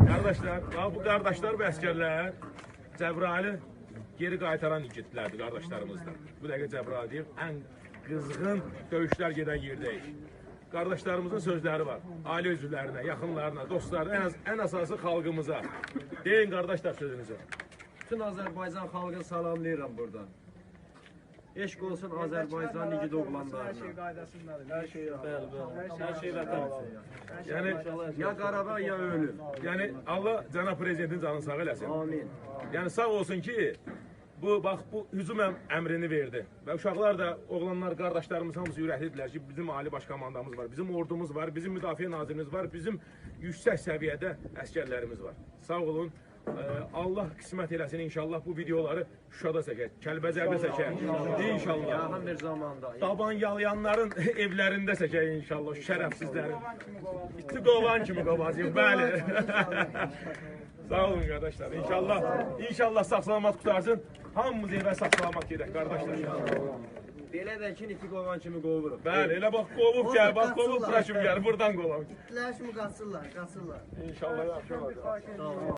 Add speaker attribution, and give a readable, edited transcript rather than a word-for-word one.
Speaker 1: Qardaşlar, bu qardaşlar və əskərlər Cəbrayılı geri qaytaran igidlərdir qardaşlarımızdan. Bu dəqiqə Cəbrayıl deyir, ən qızğın döyüşlər gedən yerdəyik. Qardaşlarımızın sözləri var. Ailə üzvlərinə, yaxınlarına, dostlarına, ən əsası xalqımıza. Deyin qardaşlar sözünüzü.
Speaker 2: Bütün Azərbaycan xalqını salamlayıram buradan. Eşq olsun Azərbaycan igid oğlanlarına.
Speaker 3: Hər şey qaydasındadır.
Speaker 2: Hər şey
Speaker 1: Hər şey vətən. Yəni,
Speaker 2: ya Qarabağ ya ölüm.
Speaker 1: yəni Allah cənab prezidentin canını sağ eləsin.
Speaker 2: Amin.
Speaker 1: Yəni sağ olsun ki, bu hücum əmrini verdi. Və uşaqlar da, oğlanlar, qardaşlarımız hamısı ürəklidirlər ki, bizim ali baş komandamız var, bizim ordumuz var, bizim müdafiə nazirimiz var, bizim yüksək səviyyədə əskərlərimiz var. Sağ olun. Allah qismət eləsin inşallah bu videoları Şuşada çəkər, Kəlbəcərdə çəkər. İnşallah.
Speaker 2: Yaxın bir zamanda.
Speaker 1: Daban yalayanların evlərində çəkər inşallah, şərəfsizlərin. İti qovan kimi qovacaq, bəli. Sağ olun qardaşlar. İnşallah sağ-salamat qutarsın. Hamımız evə sağ-salamat gedək qardaşlar.
Speaker 2: Belə də ki, iti qovan kimi qovuruq.
Speaker 1: Bəli, elə bax qovub gəl, bax qovub bura kimi gəl, buradan qovaq.
Speaker 3: İtlər kimi qaçırlar.
Speaker 1: İnşallah yaxşı olacaq.